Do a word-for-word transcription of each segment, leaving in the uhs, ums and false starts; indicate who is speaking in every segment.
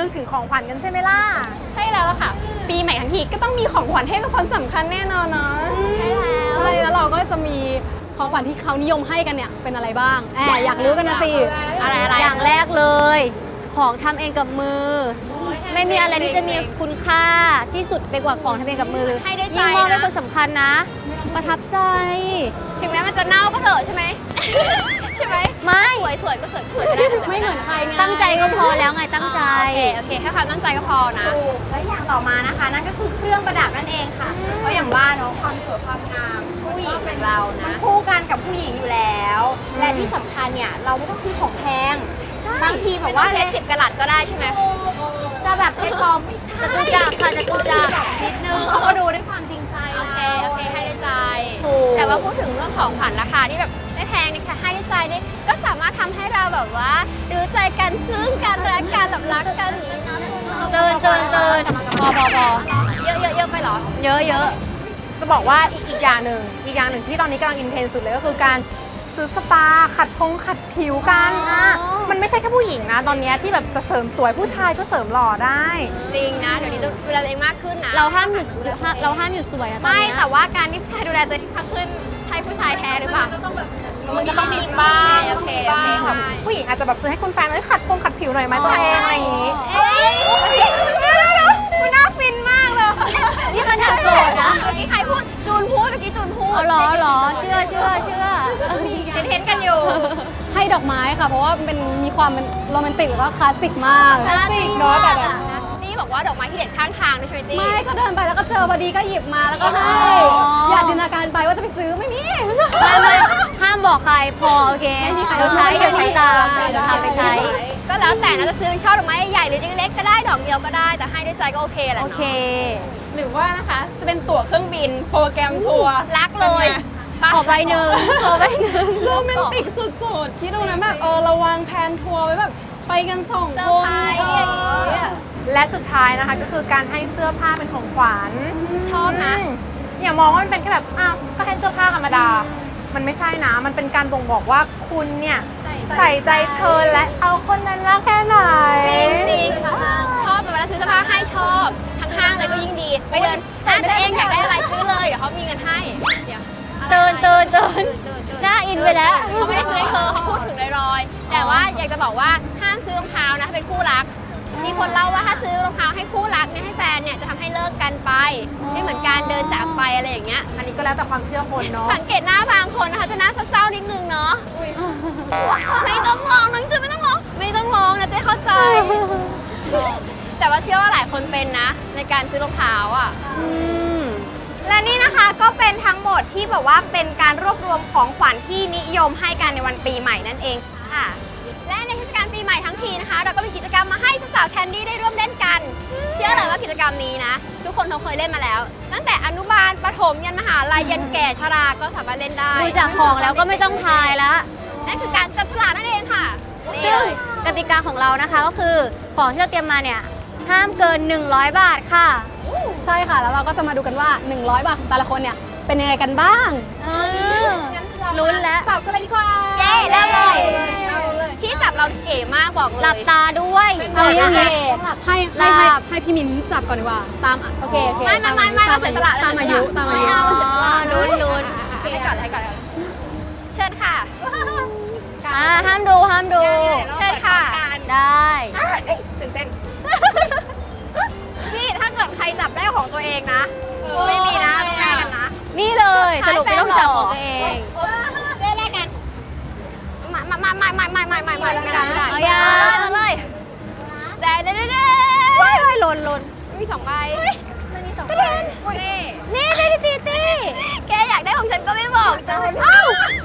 Speaker 1: ถึงของขวัญกันใช่ไหมล่ะ
Speaker 2: ใช่แล้วล่ะค่ะปีใหม่ทั้งทีก็ต้องมีของขวัญให้กับคนสำคัญแน่นอนเนาะ
Speaker 3: ใช่แล้วใช่แล้วเราก็จะมีของขวัญที่เขานิยมให้กันเนี่ยเป็นอะไรบ้างแอบอยากรู้กันนะสิ
Speaker 1: อะไรอะไร
Speaker 4: อย่างแรกเลยของทำเองกับมือไม่มีอะไรที่จะมีคุณค่าที่สุดไปกว่าของทำเองกับมือ
Speaker 2: ให้ด้วยใจ
Speaker 4: ยิ่งมอบให้คนสำคัญนะประทับใจ
Speaker 2: ถึงแม้มันจะเน่าก็เถอะใช่ไหมใช่ไหม
Speaker 4: ไม่
Speaker 2: สวยสวยก็สวยสวยก็ได้
Speaker 3: ไม่เหมือนใครไง
Speaker 4: ตั้งใจก็พอแล้วไงตั้งใจ
Speaker 2: โอเคโอเคแค่ความตั้งใจก็พอนะ
Speaker 1: และอย่างต่อมานะคะนั่นก็คือเครื่องประดับนั่นเองค่ะเพราะอย่างว่าเนาะความสวยความงาม
Speaker 2: ผู้หญิงเป็นเรานะ
Speaker 1: คู่กันกับผู้หญิงอยู่แล้วและที่สำคัญเนี่ยเราไม่ต้องซื้อของแพงบางทีแบบว่า
Speaker 2: เพชรสิบกะรัตก็ได้ใช่ไหม
Speaker 1: จะแบบเพชรปลอม
Speaker 4: จะกูจักค่ะจะกูจัก
Speaker 1: นิดนึงเขาก็ดูด้วยความจริงใจ
Speaker 2: โอเคโอเคให้ด้วยใจแต่ว่าพูดถึงเรื่องของขวัญราคาที่แบบไม่แพงนี่ค่ะให้ด้วยใจนี่ก็สามารถทำให้เราแบบว่ารู้ใจกันซึ้งกันรักกันแบบรักกัน
Speaker 4: เตือนเตือนเตือนพอพอพอ
Speaker 2: เยอะเยอะเยอะไปเหรอ
Speaker 4: เยอะเยอะ
Speaker 1: จะบอกว่าอีกอีกอย่างหนึ่งอีกอย่างหนึ่งที่ตอนนี้กำลังอินเทนสุดเลยก็คือการซื้อสปาขัดพงขัดผิวกันอ่ะมันไม่ใช่แค่ผู้หญิงนะตอนนี้ที่แบบจะเสริมสวยผู้ชายก็เสริมหล่อได้
Speaker 2: จริงนะเดี๋ยวนี้ต้องดูแลตัวเองมากขึ้นนะ
Speaker 4: เราห้ามหยุดเราห้ามหยุดสวยนะ
Speaker 2: ไม่แต่ว่าการที่ผู้ชายดูแลตัวเองมากขึ้นใช่ผู้ชายแท้หรือเปล่ามันก็ต้องมีบ้างโอเคโอเค
Speaker 1: ผู้หญิงอาจจะแบบซื้อให้คุณแฟนเลยขัดพงขัดผิวหน่อยไหมตัวเองอะไรอย่างนี้
Speaker 2: มันน่าฟินมากเลย
Speaker 4: นี่ขนาดโสดนะ
Speaker 2: เมื่อกี้ใครพูดจูนพูดเมื่อกี้จูนพูด
Speaker 4: อ๋อเหรอเหรอเชื่อเชื่อเชื่อ
Speaker 2: เห็นเห็นกันอยู่
Speaker 3: ให้ดอกไม้ค่ะเพราะว่าเป็นมีความเป็นโรแมนติกหรือว่าคลาสสิกมาก
Speaker 2: คลาสสิกเนาะแต่นี่บอกว่าดอกไม้ที่เด็ดข้างทางด้วยใช่ไหมตี้
Speaker 3: ไม่ก็เดินไปแล้วก็เจอพอดีก็หยิบมาแล้วก็ให้อย่าจินตนาการไปว่าจะไปซื้อไม่มี
Speaker 4: ไม่ไม่ห้ามบอกใครพอโอเคเดี๋ยวใช้เดี๋ยวใช้ตามเดี๋ยวทำไปใช้
Speaker 2: ก็แล้วแต่นะจะซื้อเป็นช่อดอกไม้ใหญ่หรือเล็กๆก็ได้ดอกเดียวก็ได้แต่ให้ด้วยใจก็โอเคแหละ
Speaker 4: โอเค
Speaker 2: หรือว่านะคะจะเป็นตั๋วเครื่องบินโปรแกรมทัวร์รักเลย
Speaker 4: ขอใบหนึ่งขอใบหนึ่ง
Speaker 2: โรแมนติกสุดๆคิดดูนะแบบเออเราวางแผนทัวร์ไว้แบบไปกันสองคน
Speaker 1: และสุดท้ายนะคะก็คือการให้เสื้อผ้าเป็นของขวัญ
Speaker 2: ชอบนะ
Speaker 1: อย่ามองว่ามันเป็นแค่แบบอ้าวก็ให้เสื้อผ้าธรรมดามันไม่ใช่นะมันเป็นการบ่งบอกว่าคุณเนี่ยใส่ใจเธอและเอาคนนั้นรักแค่ไหน
Speaker 2: จริงๆชอบเวลาซื้อเสื้อผ้าให้ชอบทั้งห้างเลยก็ยิ่งดีไปเดินห้างตัวเองอยากได้อะไรซื้อเลยเดี๋ยวเขามีเงินให้เดี๋ยว
Speaker 4: เตือนเตือนเตือนหน้าอินไปแล้ว
Speaker 2: เขาไม่ได้ซื้อให้เธอเขาพูดถึงลอยๆแต่ว่าอยากจะบอกว่าห้ามซื้อรองเท้านะเป็นคู่รักมีคนเล่าว่าถ้าซื้อรองเท้าให้คู่รักเนี่ยให้แฟนเนี่ยจะทำให้เลิกกันไปไม่เหมือนการเดินจากไปอะไรอย่างเงี้ย
Speaker 1: อันนี้ก็แล้วแต่ความเชื่อคนเนาะ
Speaker 2: สังเกตหน้าบางคนนะคะจะหน้าเศร้าๆนิดนึงเนาะไม่ต้องร้องน้องจือไม่ต้องร้องไม่ต้องร้องนะเจ๊เข้าใจแต่ว่าเชื่อว่าหลายคนเป็นนะในการซื้อรองเท้าอ่ะและนี่นะคะก็เป็นทั้งหมดที่แบบว่าเป็นการรวบรวมของขวัญที่นิยมให้กันในวันปีใหม่นั่นเองค่ะและในเทศกาลปีใหม่ทั้งทีนะคะเราก็มีกิจกรรมมาให้สาวๆแคนดี้ได้ร่วมเล่นกันเชื่อเลยว่ากิจกรรมนี้นะทุกคนเขาเคยเล่นมาแล้วตั้งแต่อนุบาลประถมยันมหาลัยยันแก่ชราก็สามารถเล่นได้
Speaker 4: ดูจากของแล้วก็ไม่ต้องทายแล้ว
Speaker 2: นั่นคือการจับฉลากนั่นเองค่ะ
Speaker 4: ซึ่งกติกาของเรานะคะก็คือของที่เราเตรียมมาเนี่ยห้ามเกินหนึ่งร้อยบาทค่ะ
Speaker 3: ใช่ค่ะแล้วเราก็จะมาดูกันว่าหนึ่งร้อยบาทของแต่ละคนเนี่ยเป็นยังไงกันบ้าง
Speaker 4: ลุ้นแล้ว
Speaker 2: จับกันเลยดีกว่าเย้เริ่มเลยที่จับเราเก๋มากบอกเลย
Speaker 4: หลับตาด้วย
Speaker 3: เอาอย่างนี้ให้ให้ให้ให้พี่มิ้นจับก่อนดีกว่าตามโอเคโอเค
Speaker 2: ไม่ไม่ไม่ไม่เราเสียสละ
Speaker 3: ตามอายุตามอายุ
Speaker 4: ลุ้นลุ้น
Speaker 2: ให้ก่อนให้ก่อนเชิญค่ะ
Speaker 4: อ่าห้ามดูห้ามดู
Speaker 2: เชิญค่ะ
Speaker 4: ได้
Speaker 2: ตื่นเต้นนี่ถ้าเกิดใครจับได้ของตัวเองนะไม่มีนะต้องแลกกันนะ
Speaker 4: นี่เลยสรุปไม่ต้องจับของตัวเอง
Speaker 2: เล่นแลกกันมามามามามามามามามากัน
Speaker 4: เอาอย่า
Speaker 2: มาเลยได้ได้ได้ได้
Speaker 4: ว้ายว้ายหล่นหล่น
Speaker 2: มีสองใบมันมีสองใบ
Speaker 4: นี่นี่ตีตี
Speaker 2: แกอยากได้ของฉันก็ไม่บอกจะเอ้า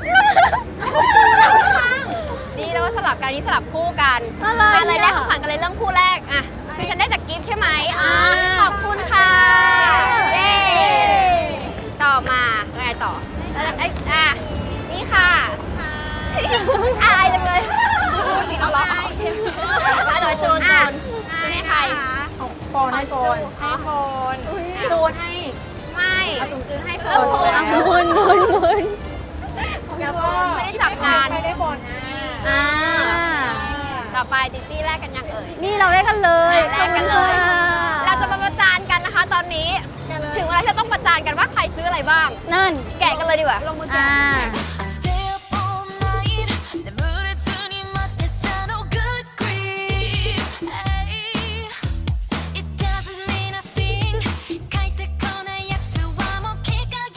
Speaker 2: นี่แล้วก็สลับกันนี่สลับคู่กันอะไรแรกของขวัญกันเลยเริ่มคู่แรกอ่ะคือฉันได้จากกิฟต์ใช่ไหมอ่าขอบคุณค่ะเย้ต่อมาไงต่อไอ้อ่ะนี่ค่ะอายจังเลยเอาล้อมาโดยจูนจูนจูนให้ใคร
Speaker 1: โฟนให้โฟน
Speaker 2: ให้โฟน
Speaker 1: จูนให้
Speaker 2: ไม่จูนจูนให้โฟน
Speaker 4: มุนมุนมุน
Speaker 2: แล้วก็ไม่ได้จับงาน
Speaker 1: ไม่ได้โฟน
Speaker 2: อ่าต่ออไปติ๊ตี้แรกกันยังเอ่ย
Speaker 4: นี่เราได้กันเลย
Speaker 2: แรกกันเลย
Speaker 4: ขอบคุณค่ะ
Speaker 2: เราจะมาประจานกันนะคะ ตอนนี้ถึงเวลาที่จะต้องประจานกันว่าใครซื้ออะไรบ้าง
Speaker 4: นั่น
Speaker 2: แกะกันเลยดีกว่า
Speaker 4: อ่า
Speaker 5: Stay up all night 내 물에 들이맞댔잖아 good grief It doesn't mean a thing 갈때 꺼내 약수와 먹히가요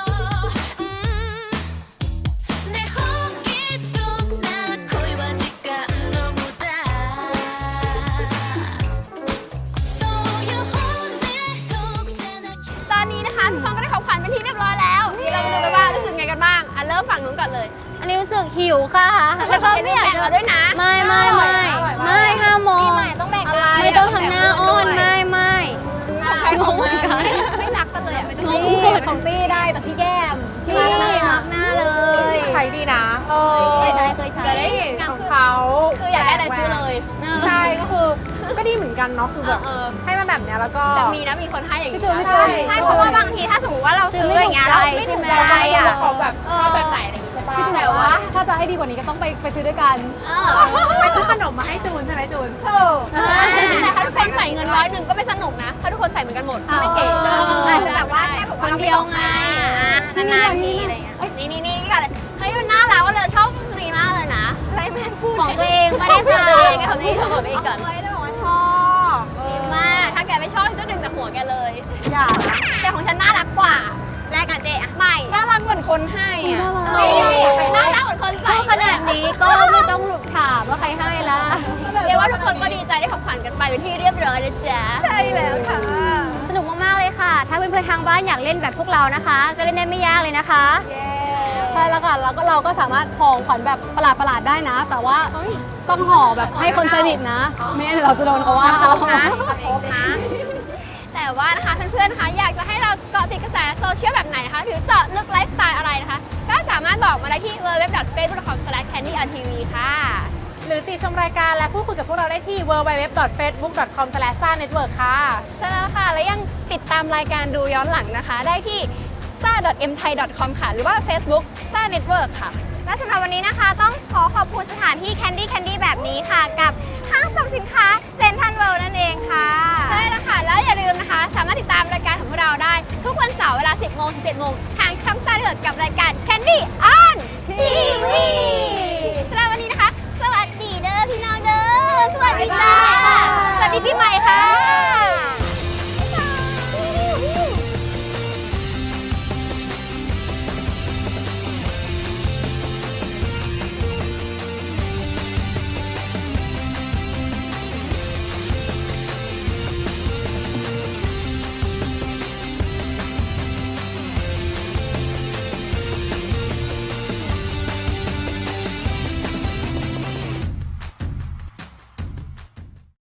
Speaker 5: 내 호기뚝 나 고이와 지가 너무다 So you hold me 독세나
Speaker 2: ตอนนี้นะคะทุกคนก็ได้ของขวัญเป็นที่เรียบร้อยแล้วเรามาดูกันว่ารู้สึกไงกันบ้างอ่ะเริ่มฝั่งนู้นก่อนเลย
Speaker 4: อันนี้รู้สึกหิวค่ะ แล้วก็ไม่อยาก
Speaker 2: แบ่ง
Speaker 4: จะ
Speaker 2: เราด้วยนะ
Speaker 4: ไม่ไม่ไม่ไม่ห้ามมอง
Speaker 2: ต้องแบ่งอะไร
Speaker 4: ไม่ต้องทำหน้าอ้อนไม่ไม่
Speaker 2: งงเหมือนกันไม่รักกันเลยอ่ะ
Speaker 3: นี่ของตี้ได้จากพี่แก้ม
Speaker 4: พี่
Speaker 3: มาแล้ว
Speaker 4: รั
Speaker 3: นะ
Speaker 4: กหน้าเลย
Speaker 1: ใช้ดีนะเออ
Speaker 4: เคยใช้เคยใช้
Speaker 1: จะได้เห็นของเขา
Speaker 2: คืออยากได้อะไรซื้อเลย
Speaker 1: ใช่ก็คือก็ดีเหมือนกันเนาะคือแบบ
Speaker 2: เออ
Speaker 1: ให้มาแบบเนี้ยแล้วก็
Speaker 2: แต่มีนะมีคนให้อย่างนี้
Speaker 3: พี่จูนพี่จู
Speaker 1: ใช่
Speaker 3: น
Speaker 2: ให้เพราะว่าบางทีถ้าสมมติว่าเราซื้ออย่างเงี้ยเราไม่ถูกใจอ่ะ
Speaker 1: เขาแบบชอบแบบไหนอะไรอย่างงี้ใช่ปะ
Speaker 3: พี่จูนแต่ว่าถ้าจะให้ดีกว่านี้ก็ต้องไปไปซื้อด้วยกัน
Speaker 2: เออ
Speaker 1: ไปซื้อขนมมาให้จูนใช่ไหมจูน
Speaker 2: แต่ถ้าทุกคนใส่เงินร้อยหนึ่งก็ไม่สนุกนะถ้าทุกคนใส่เหมือนกันหมดไม่เก๋
Speaker 3: เออ
Speaker 2: อาจจะแบบว่าแค่บอก
Speaker 4: ค
Speaker 2: ว่าน เรา
Speaker 4: เดียวไง
Speaker 2: นานๆทีอะไรเงี้ยนี่นี่นี่ก่อนเลยเฮ้ยมันน่ารักว่าเลยชอบนี้มากเลยนะอะไรแม่พูด
Speaker 4: ของตัวเองไม่ได้ใส่
Speaker 2: กับเขาที่เขาบอกไปอีกก่อน
Speaker 5: เฮ้ยได้บอกว่าชอบ
Speaker 2: ดีมาก ถ้าแกไม่ชอบจะดึงจากหัวแกเลย
Speaker 5: อย่า
Speaker 2: แต่ของฉันน่ารักกว่า แรกกันเจ๊อะไม่
Speaker 5: น่ารักเหมือนคนให้อ่ะ
Speaker 2: น่ารักเหมือนคนใส่
Speaker 4: ขนาดนี้ก็ไม่ต้องถามว่าใครให้ละ
Speaker 2: เรียกว่าทุกคนก็ดีใจได้ของขวัญกันไปเป็นที่เรียบร้อยนะจ๊ะ
Speaker 5: ใช่แล้วค่ะ
Speaker 4: สนุกมากๆเลยค่ะ ถ้าเพื่อนๆทางบ้านอยากเล่นแบบพวกเรานะคะ ก็เล่นได้ไม่ยากเลยนะคะ
Speaker 3: ใช่แล้วค่ะแล้วก็เราก็สามารถห่อขวัญแบบประหลาดประหลาดๆได้นะ แต่ว่าต้องห่อแบบให้คนสนิทนะ ไม่งั้นเดี๋ยวเราจะโดนเขาว่าเอา
Speaker 2: ครบนะ แต่ว่านะคะเพื่อนๆนะคะอยากจะให้เราเกาะติดกระแสโซเชียลแบบไหนนะคะหรือเจาะลึกไลฟ์สไตล์อะไรนะคะ ก็สามารถบอกมาได้ที่ ดับเบิลยู ดับเบิลยู ดับเบิลยู ดอท เฟซบุ๊ก ดอท คอม สแลช แคนดี้ อาร์ ที วี ค่ะ
Speaker 1: หรือติชมรายการและพูดคุยกับพวกเราได้ที่ ดับเบิลยู ดับเบิลยู ดับเบิลยู ดอท เฟซบุ๊ก ดอท คอม สแลช ซ่า เน็ตเวิร์ค ค่ะ
Speaker 5: ใช่แล้วค่ะ และยังติดตามรายการดูย้อนหลังนะคะ ได้ที่ ซ่า ดอท เอ็ม ไทย ดอท คอม ค่ะ หรือว่า Facebook ซ่า เน็ตเวิร์คค่ะ
Speaker 2: และสำหรับวันนี้นะคะต้องขอขอบคุณสถานที่ Candy Candy แบบนี้ค่ะ กับห้างสรรพสินค้าเซ็นทรัลเวิลด์นั่นเองค่ะ ใช่แล้วค่ะ แล้วอย่าลืมนะคะ สามารถติดตามรายการของพวกเราได้ ทุกวันเสาร์เวลา สิบโมงถึงเจ็ดโมงทางช่องซ่าเดือดกับรายการ Candy on ที วี สำหรับวันนี้นะคะ สวัสดีเด้อพี่น้องเด้อ สวัสดีจ้า สวัสดีปีใหม่ค่ะ